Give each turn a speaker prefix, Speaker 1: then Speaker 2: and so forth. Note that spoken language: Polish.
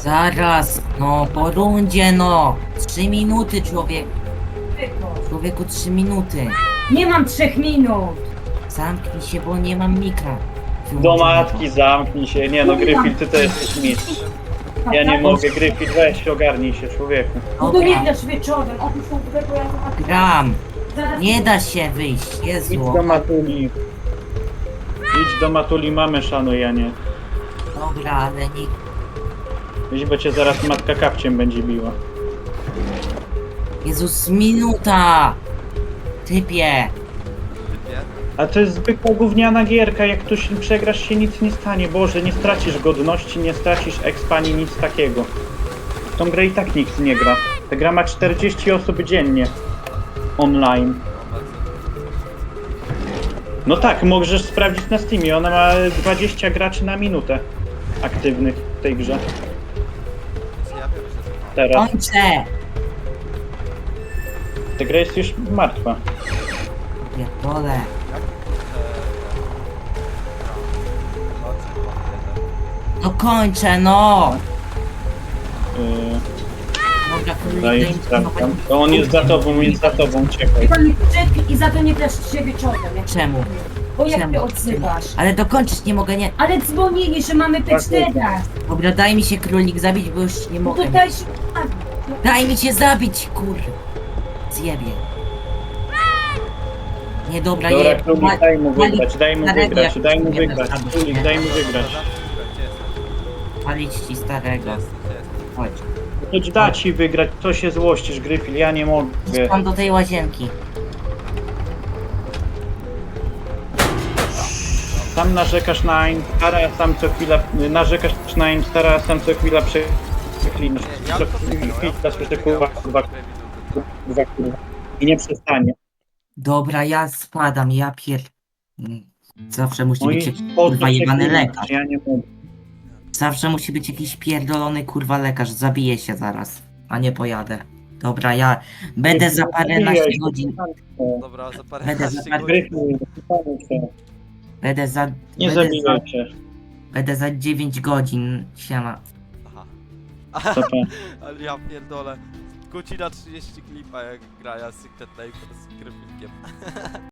Speaker 1: Zaraz, no, po rundzie, no. 3 minuty, człowieku, 3 minuty.
Speaker 2: Nie mam 3 minut.
Speaker 1: Zamknij się, bo nie mam mikra.
Speaker 3: Do matki zamknij się. Nie no, Gryfil, ty to jesteś mistrz. Ja nie mogę, Gryfil, weź, ogarnij się, człowieku.
Speaker 2: No to nie grasz wieczorem, otóż to bo ja to
Speaker 1: Gram.
Speaker 2: zaraz...
Speaker 1: Nie da się wyjść,
Speaker 3: Idź
Speaker 1: Jezu.
Speaker 3: do Matuli. Idź do Matuli, mamy szanuj, a nie.
Speaker 1: Dobra, ale nie...
Speaker 3: Wiesz, bo cię zaraz matka kapciem będzie biła.
Speaker 1: Jezus, minuta! Typie.
Speaker 3: A to jest zwykła gówniana gierka, jak tu się przegrasz, się nic nie stanie. Boże, nie stracisz godności, nie stracisz expani, nic takiego. W tą grę i tak nikt nie gra. Ta gra ma 40 osób dziennie. Online. No tak, możesz sprawdzić na Steamie, ona ma 20 graczy na minutę aktywnych w tej grze. Teraz.
Speaker 1: Kończę!
Speaker 3: Ta gra jest już martwa.
Speaker 1: Pierdolę. No kończę, no!
Speaker 3: Yy,
Speaker 1: Dobra,
Speaker 3: daję,
Speaker 1: królik,
Speaker 3: sprawdzam. To on jest za tobą, jest za tobą, uciekaj.
Speaker 2: Pan mi czepi i za to nie grasz się wieczorem. Jak...
Speaker 1: Czemu?
Speaker 2: Bo jak
Speaker 1: Czemu?
Speaker 2: ty odzywasz?
Speaker 1: Ale dokończyć nie mogę, nie.
Speaker 2: Ale dzwonili, że mamy być teraz.
Speaker 1: Dobra, daj mi się królik zabić, bo już nie
Speaker 2: No
Speaker 1: mogę.
Speaker 2: to daj się...
Speaker 1: Daj mi cię zabić, kur... Zjebie. Nie, dobra,
Speaker 3: Dobra,
Speaker 1: je...
Speaker 3: Królik, daj mu
Speaker 1: Pali-
Speaker 3: wygrać, daj mu
Speaker 1: starego
Speaker 3: wygrać,
Speaker 1: jak
Speaker 3: daj mu
Speaker 1: nie
Speaker 3: wygrać.
Speaker 1: będę
Speaker 3: Królik, daj mu wygrać.
Speaker 1: Palić ci starego. Chodź.
Speaker 3: Chodź, da ci wygrać, co się złościsz, Gryfil, ja nie mogę.
Speaker 1: Tam do tej łazienki.
Speaker 3: Sam narzekasz na Imstara, a sam co chwila... Narzekasz na Imstara, a sam co chwila przeklinasz. Co chwila słyszę kurwa, kurwa. I nie przestanie.
Speaker 1: Dobra, ja spadam, ja pier... Zawsze musi
Speaker 3: No
Speaker 1: być
Speaker 3: i
Speaker 1: jakiś
Speaker 3: po co
Speaker 1: kurwa jebany
Speaker 3: przeklinasz?
Speaker 1: lekarz.
Speaker 3: Ja nie mogę.
Speaker 1: Zawsze musi być jakiś pierdolony kurwa lekarz. Zabiję się zaraz, a nie pojadę. Dobra, ja będę za paręnaście godzin.
Speaker 4: Dobra, za parę
Speaker 1: Będę
Speaker 4: godzin.
Speaker 1: za-
Speaker 3: Gryfil, zastanów się.
Speaker 1: Będę za...
Speaker 3: Nie
Speaker 1: będę
Speaker 3: zabijaj się.
Speaker 1: Będę za 9 godzin. Siema.
Speaker 4: Aha.
Speaker 3: Co to?
Speaker 4: Ale ja pierdolę. Godzina 30 klipa jak gra ja Secret Neighbor z Gryfilkiem.